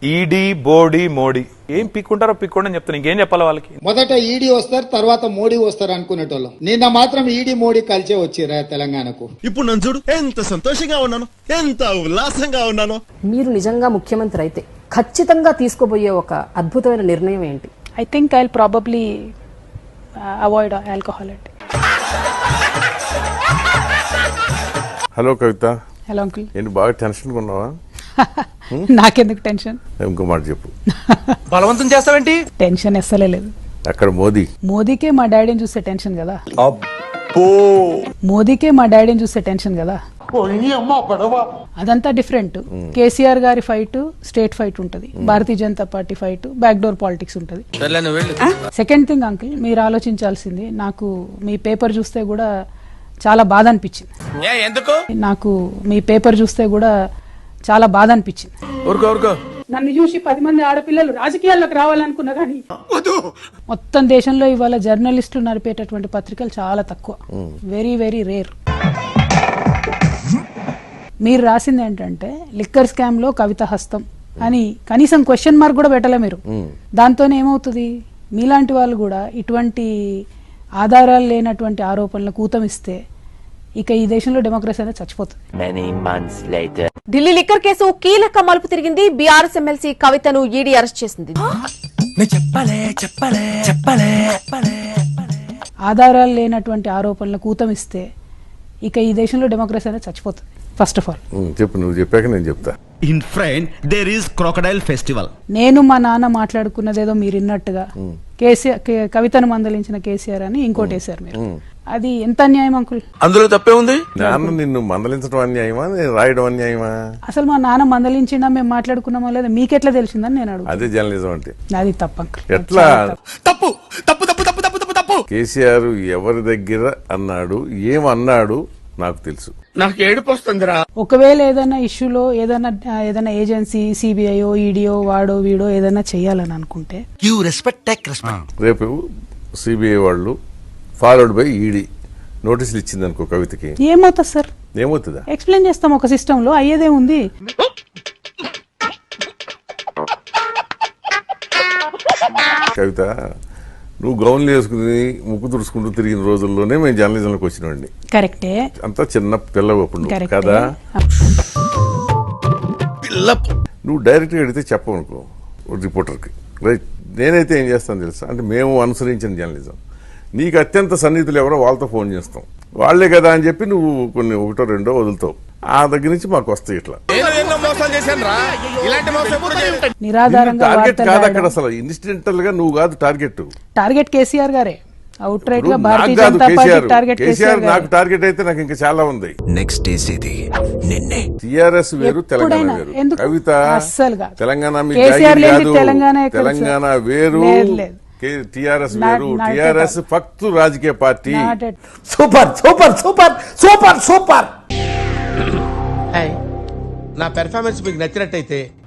ED body Modi ఏం పిక్కుంటారో పిక్కోండి అని చెప్తాను. ఇంకేం చెప్పాలి వాళ్ళకి? మొదట ఈడీ వస్తారు, తర్వాత మోడీ వస్తారు అనుకునేటోళ్ళం. నిన్న మాత్రం ఈడీ మోడీ కలిసే వచ్చిరా తెలంగాణకు. ఇప్పుడు నన్ను చూడు, ఎంత సంతోషంగా ఉన్నాను, ఎంత ఉల్లాసంగా ఉన్నాను. మీరు నిజంగా ముఖ్యమంత్రి అయితే ఖచ్చితంగా తీసుకోబోయే ఒక అద్భుతమైన నిర్ణయం ఏంటి? I think I'll probably avoid alcohol. Hello Kavitha. Hello uncle. ఏంటి బాగా టెన్షన్గా ఉన్నావా? నాకెందుకు టెన్షన్? ఇంకో మాట చెప్పు. బలవంతం చేస్తావేంటి? టెన్షన్ ఎస్సలే లేదు. అక్కడ మోదీకే మా డాడీని చూస్తే టెన్షన్ కదా. మోదీకే మా డాడీని చూస్తే టెన్షన్ కదా. అదంతా డిఫరెంట్. కేసీఆర్ గారి ఫైట్ స్టేట్ ఫైట్ ఉంటది, Bharatiya Janata Party fight back door politics ఉంటది. సెకండ్ థింగ్ అంకుల్, మీరు ఆలోచించాల్సింది, నాకు మీ పేపర్ చూస్తే కూడా చాలా బాధ అనిపించింది. నాకు మీ పేపర్ చూస్తే కూడా చాలా బాధ అనిపించింది. నన్ను చూసి 10 మంది ఆడపిల్లలు రాజకీయాల్లోకి రావాలనుకున్నా కానీ మొత్తం దేశంలో ఇవాళ జర్నలిస్టులు నడిపేటటువంటి పత్రికలు చాలా తక్కువ, వెరీ వెరీ రేర్. మీరు రాసింది ఏంటంటే లిక్కర్ స్కామ్ లో కవిత హస్తం అని కనీసం క్వశ్చన్ మార్క్ కూడా పెట్టలే మీరు. దాంతోనే ఏమవుతుంది, మీలాంటి వాళ్ళు కూడా ఇటువంటి ఆధారాలు లేనటువంటి ఆరోపణలకు ఊతమిస్తే ఇక ఈ దేశంలో డెమోక్రసీ అనేది చచ్చిపోతుంది. ఢిల్లీ లిక్కర్ కేసు కీలక మలుపు తిరిగింది. బీఆర్ఎస్ ఎమ్మెల్సీ కవితను ఈడీ అరెస్ట్ చేసింది. ఆధారాలు లేనటువంటి ఆరోపణలకు ఊతమిస్తే ఇక ఈ దేశంలో డెమోక్రసీ అనేది చచ్చిపోతుంది. ఫస్ట్ ఆఫ్ ఆల్ చెప్పు, నువ్వు చెప్పాక నేను చెప్తా. In front there is crocodile festival. నేను మా నాన్న మాట్లాడుకున్నదేదో మీరు విన్నట్టుగా కేసీఆర్ కవితను మందలించిన కేసీఆర్ అని ఇంకోటి వేశారు మీరు. అది ఎంత అన్యాయం అంకుల్? అందులో తప్పే ఉంది. నాన్న నిన్ను మందలించడం అన్యాయమా, నేను రాయడం అన్యాయమా? అసలు మా నాన్న మందలించినా మేము మాట్లాడుకున్నామా లేదా మీకెట్లా తెలిసిందని నేను అడుగు. అదే జర్నలిజం అంటే. అది తప్పు అంకుల్. ఎట్లా తప్పు తప్పు తప్పు తప్పు తప్పు తప్పు తప్పు. కేసీఆర్ ఎవరి దగ్గర అన్నాడు, ఏమన్నాడు నాకు తెలుసు. నాకు ఏడుపు వస్తుందిరా. ఒకవేళ ఏదైనా ఇష్యూలో ఏదైనా ఏజెన్సీ సిబిఐఓ ఈడీఓ వాడో వీడో ఏదైనా చెయ్యాలని అనుకుంటే రేపు సిబిఐ వాళ్ళు ఫాలోడ్ బై ఈడీ నోటీసులు ఇచ్చింది అనుకో కవితకి, ఏమవుతుంది సార్? ఏమవుతుందా ఎక్స్ప్లెయిన్ చేస్తాం ఒక సిస్టమ్ లో, అయ్యేదే ఉంది. కవిత, నువ్వు గౌన్లు వేసుకుని ముక్కు తుడుచుకుంటూ తిరిగిన రోజుల్లోనే మేము జర్నలిజంలోకి వచ్చినండి. కరెక్టే. అంతా చిన్న పిల్లవప్పుడు కదా. నువ్వు డైరెక్ట్గా అడిగితే చెప్పవనుకో రిపోర్టర్కి, రైట్, నేనైతే ఏం చేస్తాను తెలుసా, అంటే మేము అనుసరించిన జర్నలిజం, నీకు అత్యంత సన్నిహితులు ఎవరో వాళ్ళతో ఫోన్ చేస్తాం, వాళ్లే కదా అని చెప్పి నువ్వు కొన్ని ఒకటో రెండో వదులుతావు, ఆ దగ్గర నుంచి మాకు వస్తాయి ఇట్లా. టార్గెట్ కాదు అక్కడ అసలు, ఇన్సిడెంటల్ గా నువ్వు కాదు టార్గెట్. టార్గెట్ కేసీఆర్ గారే, అవుట్ రైట్ గా భారతీయ జనతా పార్టీ టార్గెట్ కేసీఆర్. నాకు టార్గెట్ అయితే నాకు ఇంకా చాలా ఉంది. నెక్స్ట్ ఇది నిన్నే. టిఆర్ఎస్ వేరు, తెలంగాణ వేరు. కవిత, తెలంగాణ తెలంగాణ వేరు, టిఆర్ఎస్ వేరు. టిఆర్ఎస్ ఫక్తు రాజకీయ పార్టీ. Super super super super super. నా పెర్ఫార్మెన్స్ మీకు నచ్చినట్టయితే